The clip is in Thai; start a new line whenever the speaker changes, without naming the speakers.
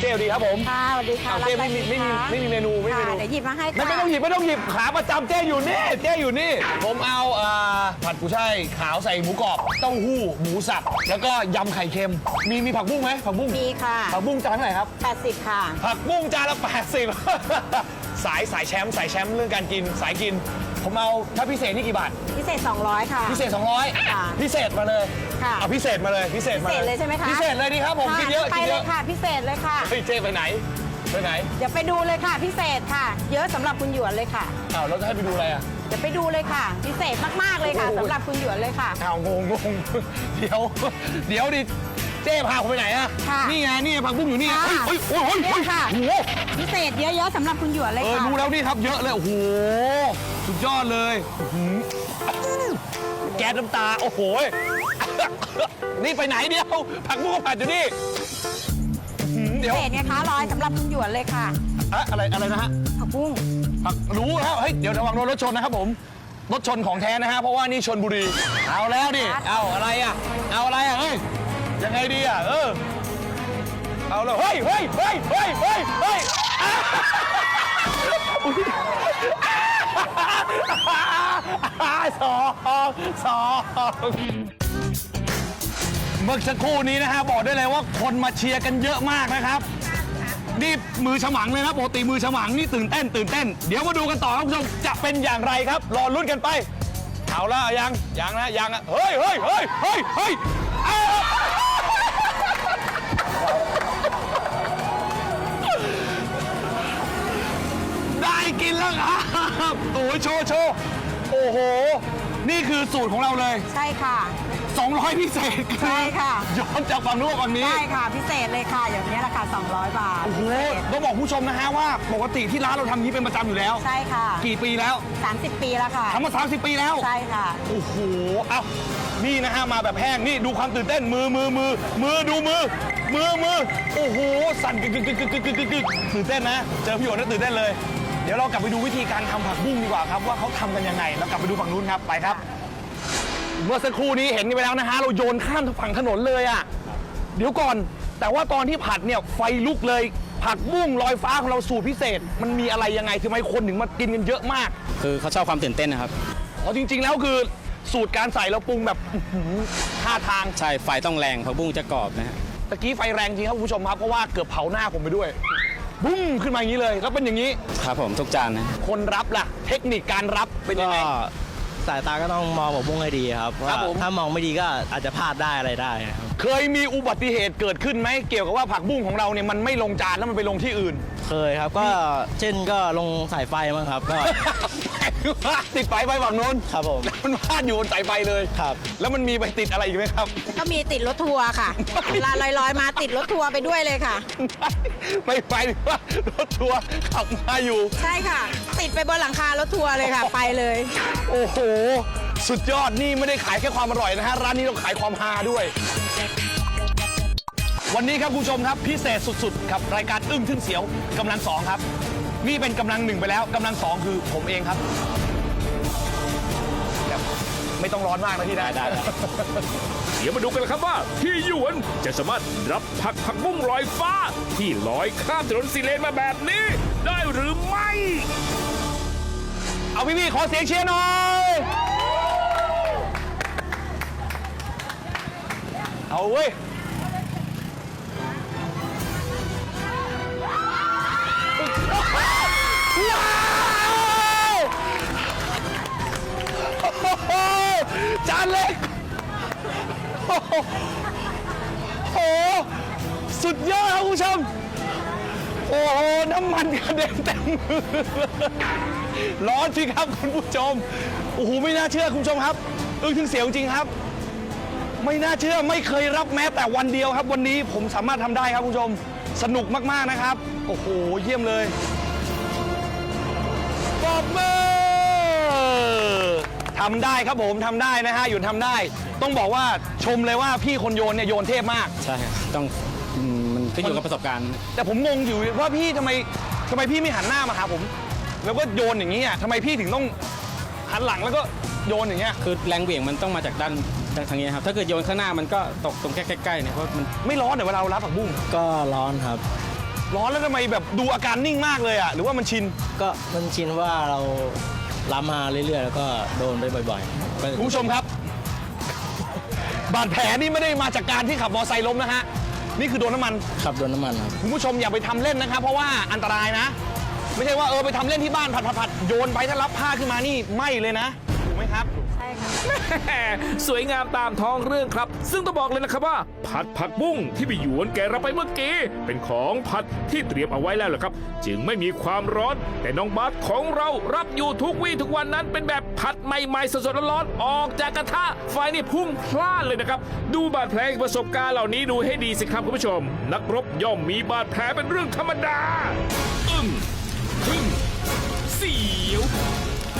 จ๊ดีครับผม
ค่ะสวัสดีค่ะ
เจ๊ไม่มีเมนูไม่มีเมนู
เดี๋ยวหยิบมาให้ค่ะ
ไม่ต้องหยิบขาประจำเจ๊อยู่นี่ผมเอาผัดกุยช่ายขาวใส่หมูกรอบเต้าหู้หมูสับแล้วก็ยำไข่เค็มมีผักบุ้งไหมผักบุ้ง
มีค่ะ
ผักบุ้งจานเท่าไหร่ครับ
80 ค่ะ
ผักบุ้งจานละ80 สายแชมป์เรื่องการกินสายกิน ผมเอาถ้าพิเศษนี่กี่บาท
พิเศษ 200 ค่ะ
พิเศษ
ค่ะ
200พิเศษมาเลย
ค่ะ
เอาพิเศษมาเลย
พิเศษเลยใช่ไหมคะ
พิเศษเลยดีครับผม
ค่ะ
กินเยอะ
ไป
กิน
เล
เย
ย
อะ
ค่ะ พิเศษเลยค่ะ
เฮ้ยเจ๊ไปไหน
เดี๋ยวไปดูเลยค่ะ พิเศษค่ะ เยอะสำหรับคุณหยวนเลยค่ะ
อ้าวเราจะให้ไปดูอะไรอ่ะ
เดี๋ยวไปดูเลยค่ะ พิเศษมากๆเลยค่ะ
โอ้โห
สำหรับคุณหยวนเลยค่ะ
อ้าวงงเดี๋ยวดิเจ๊พาผมไปไหนอะ
ค่ะ
นี่ไงนี่ผักบุ้งอยู่นี่
ค่ะ
เฮ้ยโอ้ย
เนี่ยค่ะ
โอ้โห
พิเศษเยอะๆสำหรับคุณหยวนเลยค่ะ
รู้แล้วนี่ครับเยอะเลยโอ้โหสุดยอดเลยอื้อหือแก๊สน้ำตาโอ้โหนี่ไปไหนเดียวผักบุ้งก็ผัดอยู่นี่อื้อหือ
พิ
เดี๋ยว
เศษไงคะร้อยสำหรับคุณหยวนเลยค่ะ
อะไรนะฮะ
ผักบุ้ง
รู้แล้วเฮ้ยเดี๋ยวระวังโดนรถชนนะครับผมรถชนของแท้นะฮะเพราะว่านี่ชนบุรีเอาแล้วดิเอาอะไรอ่ะเฮ้ยยังไงดีอ่ะเอาแล้วเฮ้ยสองเมื่อสักครู่นี้นะฮะบอกได้เลยว่าคนมาเชียร์กันเยอะมากนะครับนี่มือฉมังเลยนะปกติมือฉมังนี่ตื่นเต้นเดี๋ยวมาดูกันต่อครับคุณผู้ชมจะเป็นอย่างไรครับรอลุ้นกันไปเอาละยังนะเฮ้ยอ้าวได้กินแล้วครับโอ้ยโชว์โอ้โหนี่คือสูตรของเราเลย
ใช่ค่ะ
200พิเศษ
ใช่ค่ะ
ย้อนจากฝั่งนู้นฝั่งนี้
ใช่ค่ะ พิเศษเลยค่ะ อย่างนี้ราคา200 บาท
โอ้โหต้องบอกผู้ชมนะฮะว่าปกติที่ร้านเราทำอย่างนี้เป็นประจำอยู่แล้ว
ใช่ค่ะ
กี่ปีแล้ว
30 ปีแล้วค่ะ
ทำมา30 ปีแล้ว
ใช่ค่ะ
โอ้โหเอ้านี่นะฮะมาแบบแห้งนี่ดูความตื่นเต้นมือดูมือโอ้โหสั่นกึกตื่นเต้นนะเจอพี่โอ๋น่าตื่นเต้นเลยเดี๋ยวเรากลับไปดูวิธีการทำผักบุ้งดีกว่าครับว่าเขาทำกันยังไงแล้วกลับไปดูฝั่งนู้นครับไปครับเมื่อสักครู่นี้เห็นกันไปแล้วนะฮะเราโยนข้ามฝั่งถนนเลยอ่ะเดี๋ยวก่อนแต่ว่าตอนที่ผัดเนี่ยไฟลุกเลยผักบุ้งลอยฟ้าของเราสูตรพิเศษมันมีอะไรยังไงทำไมคนถึงมากินกันเยอะมาก
คือเขาชอบความตื่นเต้นนะครับ
อ๋อจริงๆแล้วคือสูตรการใส่เราปรุงแบบท่าทาง
ใช่ ไฟต้องแรงผักบุ้งจะกรอบนะฮะ
ตะกี้ไฟแรงจริงครับคุณผู้ชมครับเพราะว่าเกือบเผาหน้าผมไปด้วยบุ้มขึ้นมาอย่างนี้เลยแล้วเป็นอย่างนี้
ครับผมทุกจานนะ
คนรับล่ะ เทคนิคการรับเป็นยังไง
สายตาก็ต้องมองผักบุ้งให้ดีครับ
ครั
ว่า
บผม
ถ้ามองไม่ดีก็อาจจะพลาดได้อะไรได้ครับ
เคยมีอุบัติเหตุเกิดขึ้นไหมเกี่ยวกับว่าผักบุ้งของเราเนี่ยมันไม่ลงจานแล้วมันไปลงที่อื่น
เคยครับก็เช่นก็ลงสายไฟมั้งครับก็
ติดไฟไปฝั่งโน้น
ครับผม
แล้วมันพาดอยู่บนสายไฟเลย
ครับ
แล้วมันมีไปติดอะไรอีกไหมครับ
ก็มีติดรถทัวร์ค่ะ เวลาลอยๆมาติดรถทัวร์ไปด้วยเลยค่ะ
ไม่ไปหรือว่ารถทัวร์ขับมาอยู่
ใช่ค่ะ ติดไปบนหลังคารถทัวร์เลยค่ะ ไปเลย
โอ้โห สุดยอดนี่ไม่ได้ขายแค่ความอร่อยนะฮะ ร้านนี้เราขายความฮาด้วย วันนี้ครับคุณผู้ชมครับพิเศษสุดๆกับรายการอึ้งทึ่งเสียวกำลังสองครับ นี่เป็นกำลังหนึ่งไปแล้วกำลังสองคือผมเองครับแบบไม่ต้องร้อนมากนะพี่นะ
ได้
เดี๋ยวมาดูกันนะครับว่าพี่หยวนจะสามารถรับผักบุ้งลอยฟ้า ที่ลอยข้ามถนนสีเลนมาแบบนี้ ได้หรือไม่
เอาพี่ๆขอเสียงเชียร์หน่อย เอาเว้ย ว้าวโอ้โหจานเล็ก โอ้โห สุดยอดครับคุณผู้ชม โอ้โห น้ำมันกระเด็นเต็มมือร้อนสิครับคุณผู้ชม โอ้โห ไม่น่าเชื่อคุณผู้ชมครับอึ้งถึงเสียวจริงครับ ไม่น่าเชื่อไม่เคยรับแม้แต่วันเดียวครับ วันนี้ผมสามารถทำได้ครับคุณผู้ชม สนุกมากๆนะครับ โอ้โห เยี่ยมเลยปรบมือทำได้ครับผมทำได้นะฮะหยุดทำได้ ต้องบอกว่าชมเลยว่าพี่คนโยนเนี่ยโยนเทพมาก
ใช่ครับต้องมันขึ้นอยู่กับประสบการณ์
แต่ผมงงอยู่ว่าพี่ทำไมพี่ไม่หันหน้ามาหาผม แล้วก็โยนอย่างนี้อ่ะทำไมพี่ถึงต้องหันหลังแล้วก็โยนอย่างเงี้ย
คือแรงเหวี่ยงมันต้องมาจากด้านทางนี้ครับ ถ้าเกิดโยนข้างหน้ามันก็ตกตรงใกล้ๆเนี่ยเพราะมัน
ไม่ร้อนเดี๋ยวเวลาเรารับผักบุ้ง
ก็ร้อนครับ
ร้อนแล้วทำไมแบบดูอาการนิ่งมากเลยอ่ะหรือว่ามันชิน
ก็มันชินว่าเรารับมาเรื่อยๆ แล้วก็โดนไปบ่อยๆก็
คุณผู้ชมครับ บาดแผลนี่ไม่ได้มาจากการที่ขับมอเตอร์ไซค์ล้มนะฮะนี่คือโดนน้ำมัน
ขับโดนน้ำมันครับ
คุณผู้ชมอย่าไปทำเล่นนะครับ เพราะว่าอันตรายนะ ไม่ใช่ว่าไปทำเล่นที่บ้านผัดโยนไปถ้ารับผ้าขึ้นมานี่ไหม้เลยนะถูกไหมครับ
ใช่ค่ะ
แหม่สวยงามตามท้องเรื่องครับ ซึ่งต้องบอกเลยนะครับว่า ผัดผักบุ้งที่พี่หยวนแกเราไปเมื่อกี้เป็นของผัดที่เตรียมเอาไว้แล้วแหละครับ จึงไม่มีความร้อน แต่น้องบาสของเรารับอยู่ทุกวี่ทุกวันนั้นเป็นแบบผัดใหม่ๆสดๆร้อนๆออกจากกระทะไฟนี่พุ่งพล่านเลยนะครับ ดูบาดแผลประสบการณ์เหล่านี้ดูให้ดีสิครับคุณผู้ชม นักรบย่อมมีบาดแผลเป็นเรื่องธรรมดา อึ้งทึ่ง